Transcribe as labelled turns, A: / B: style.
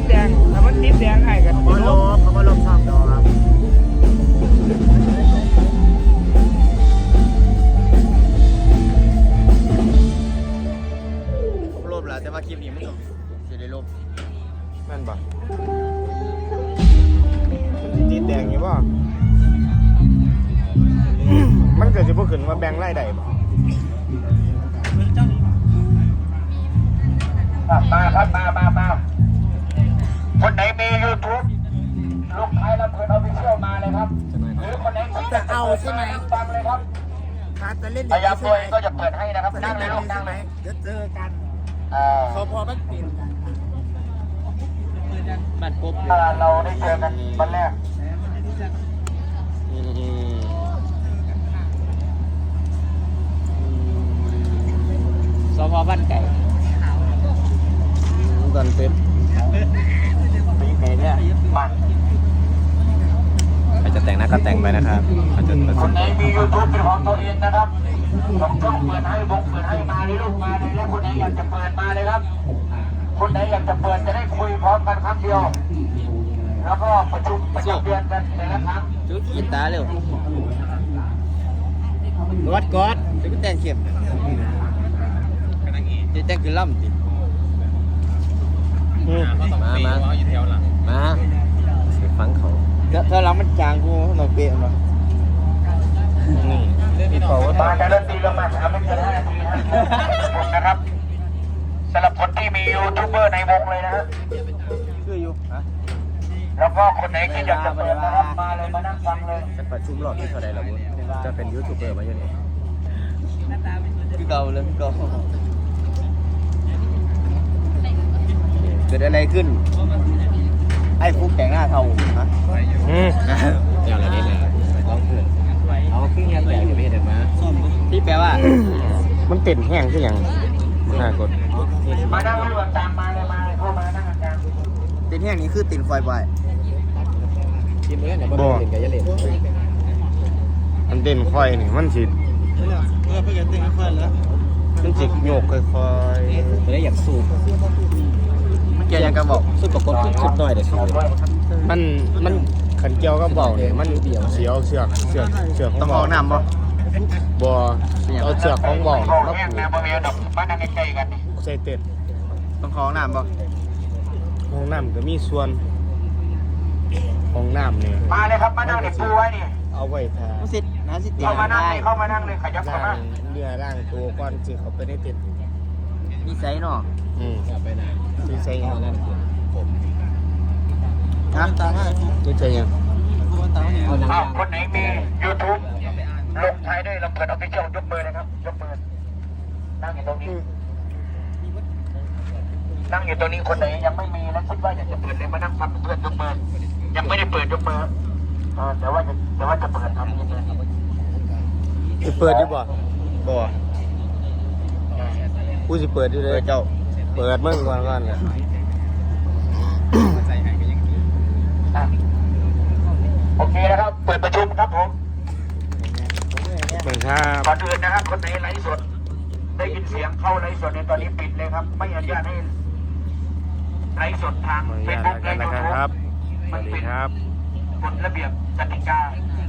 A: แดงถ้ามันติดแดงไอ้กัน
B: เขาลบเขาลบชอบดอกครับลบแล้วแต่ว่าคลิปนี้มันต้องจะได้ลบ
A: นั่นบ่มันติดแดงอยู่บ่มันเกิดจะพวกขึ้นมาแบ่งไล่ใดบ่
C: มาครับมาคนไหนมี YouTube ลูกชายลำเพลินออฟฟิเชียลมาเลยครับหรือคนไหน
D: จะเอาใช่ไหม
C: ฟังเลยครับ
D: ถ้าจะเล่น
C: พยายามตัวเองก็จะเปิดให้นะครับนั่งเลยลูกนั่งเลย
D: เดี๋ยวเจอกันพอมันเปลี่ยนกันบัตรปุ๊บ
C: เราได้เจอกันวันแรก
D: สพบ้านไก่
A: ตอนเป็ด
C: ปีเตเนี่ยมา
B: ใครจะแต่งหน้าก็แต่งไปนะครับเขาจะผ
C: ค
B: ส
C: น
B: ม
C: ไหนมี YouTube เป็นของตัวเองนะครับต้องเปิดให้เปิดให้มาเลยลูกมาเลยแล้วคนไหนอยากจะเปิดมาเลยครับคนไหนอยากจะเปิดจะได้คุยพร้อมกันครั้งเดียวแล้วก็ประชุมประจำเดือนกันแต่ละครั้ง
D: จุดกินตาเร็วกอดจะเป็นแต่งเข็มจะแต่งคือล่ำติ
B: มาฟังเขา
D: ถ้าเรามันจางกูเราเปลี่ยนมา
A: นี่พี่เป่าว่า
C: มาจะเริ่มตีลงมา3ไม่เกิน5 นาทีนะครับสำหรับคนที่มียูทูบเบอร์ในวงเลยนะฮะ
D: คืออยู่ฮะ
C: แล้วก็คนไหนที่อยากจะเปิดนะครับมาเลยมานั่งฟังเลย
B: จะประชุมรอบที่เท่าไรล่ะบุญจะเป็นยูทูบเบอร์มาอยู่นี่
D: คือเก่าเลยคือเก่าเกิดอะไรขึ้นไอ้ฟุกแต่งหน้าเทาฮะ
B: อย่างไรนี่แหละลองเพื่อนเอาขึ้นยันแต่จะไม่เห็นมา
D: ที่แปลว่า
A: มันเต้นแห้งคือหยังน่ากด
C: มานั่งรวมตามมาเลยเข้ามานั่งอาจารย์
D: ตินแห้งนี้คือตินไฟบ่อย
B: ทีมเล่นเนี่ยบ่เล่นกับยาเล่น
A: มันเต้นค่อยนี่มันสิมันสิโยกค่อย
B: ไม่ได้อยากสูบ
D: เกี่ยวยังกระบอก
B: สูบปกติสุดหน่อยเดี๋ยวสูบ
A: ๆมันขันเกี่ยวก็เบาเนี่ยมันเสียวเสือก
D: ต้องเอาน้ำบ่
A: บ่เอาเสือกของเบา
C: บอก
A: แล้ว
C: แห้งแนวบริเวณดอกมานั่งใกล้ๆกันนี่
A: ใส่เต้น
D: ต้องเอาน้ำบ่
A: ห้องน้ำก็มีส่วนห้องน้ำเนี่ย
C: มาเลยครับมานั่งเด็กปูไว้นี่
A: เอาไว้ทา
D: สิน้ำสิเตีย
C: เข้ามานั่งเลยเข้ามานั่งเลยขยับเข้า
A: ล่า
C: มา
A: งเรือล่างตัวก่อนสิเขาไปในเต้น
D: มีไซส์เนาะ
B: ไปไหน
A: นี่ใส่ยัง
D: ฮะ
A: นี่ใส่ยัง
C: คนไหนมี YouTube ลงท้ายด้วยลำเพลินออฟฟิเชียลยกมือนะครับยกมือนั่งอยู่ตรงนี้นั่งอยู่ตรงนี้คนไหนยังไม่มีแล้วคิดว่าอยากจะเปิดเลยมานั่งฟังเพื่อนยกมือยังไม่ได้เปิดยกมือแต่ว่าจะเปิดทำยังไง
A: สิเปิดดีบ่บ่กูสิเปิดอยู่เลยเจ้าเปิดมึงก่อนเลย
C: โอเคนะครับเปิดประชุมครับผม
A: เหมือนครับ
C: ก่อนอื่นนะครับคนไหนไลฟ์สดได้ยินเสียงเข้าไลฟ์สดในตอนนี้ปิดเลยครับไม่อนุญาตให้ไลฟ์สดทาง
A: ขออนุ
C: เฟ
A: ญา
C: ซ
A: ต
C: บุ๊ก
A: แล้ว
C: และ
A: กัน
C: ยู
A: นะ
C: ทูบ
A: ครับส
C: มั
A: วัน สดี
C: เป็น
A: ครับ
C: กฎระเบียบกติกา